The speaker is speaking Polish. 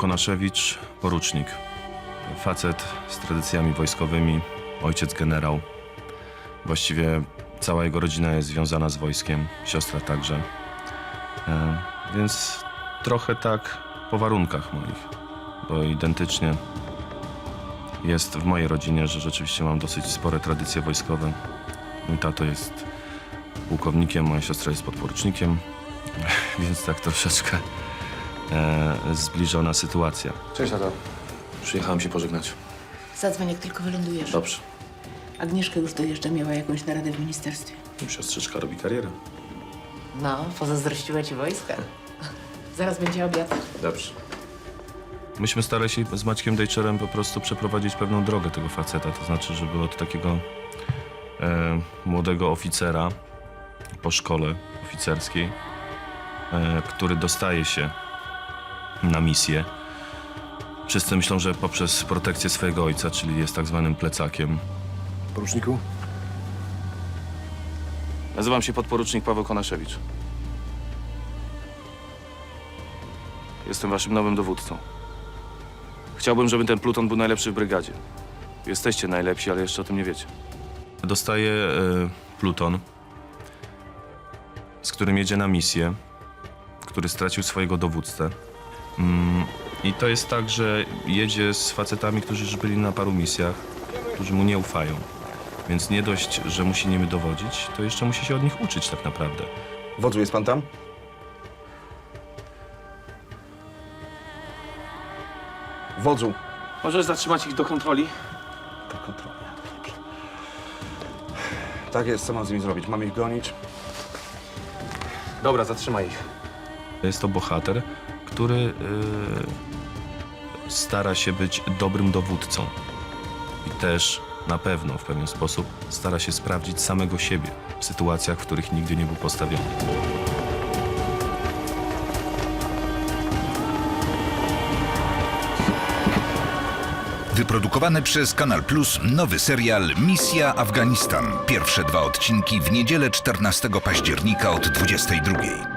Konaszewicz, porucznik. Facet z tradycjami wojskowymi, ojciec generał. Właściwie cała jego rodzina jest związana z wojskiem, siostra także. Więc trochę tak po warunkach moich, bo identycznie jest w mojej rodzinie, że rzeczywiście mam dosyć spore tradycje wojskowe. Mój tato jest pułkownikiem, moja siostra jest podporucznikiem, więc tak troszeczkę zbliżona sytuacja. Cześć, tato. Przyjechałem się pożegnać. Zadzwoń, jak tylko wylądujesz. Dobrze. Agnieszka już dojeżdża, miała jakąś naradę w ministerstwie. Siostrzyczka robi karierę. No, pozazdrościła ci wojska. Zaraz będzie obiad. Dobrze. Myśmy starali się z Maćkiem Dejczerem po prostu przeprowadzić pewną drogę tego faceta, to znaczy, żeby od takiego młodego oficera po szkole oficerskiej, który dostaje się na misję. Wszyscy myślą, że poprzez protekcję swojego ojca, czyli jest tak zwanym plecakiem. Poruczniku? Nazywam się podporucznik Paweł Konaszewicz. Jestem waszym nowym dowódcą. Chciałbym, żeby ten pluton był najlepszy w brygadzie. Jesteście najlepsi, ale jeszcze o tym nie wiecie. Dostaje pluton, z którym jedzie na misję, który stracił swojego dowódcę. I to jest tak, że jedzie z facetami, którzy już byli na paru misjach, którzy mu nie ufają. Więc nie dość, że musi nimi dowodzić, to jeszcze musi się od nich uczyć tak naprawdę. Wodzu, jest pan tam? Wodzu. Możesz zatrzymać ich do kontroli? Do kontroli. Dobrze. Tak jest, co mam z nimi zrobić? Mam ich gonić? Dobra, zatrzymaj ich. Jest to bohater, który stara się być dobrym dowódcą. I też na pewno w pewien sposób stara się sprawdzić samego siebie w sytuacjach, w których nigdy nie był postawiony. Wyprodukowany przez Kanal Plus nowy serial Misja Afganistan. Pierwsze 2 odcinki w niedzielę 14 października od 22:00.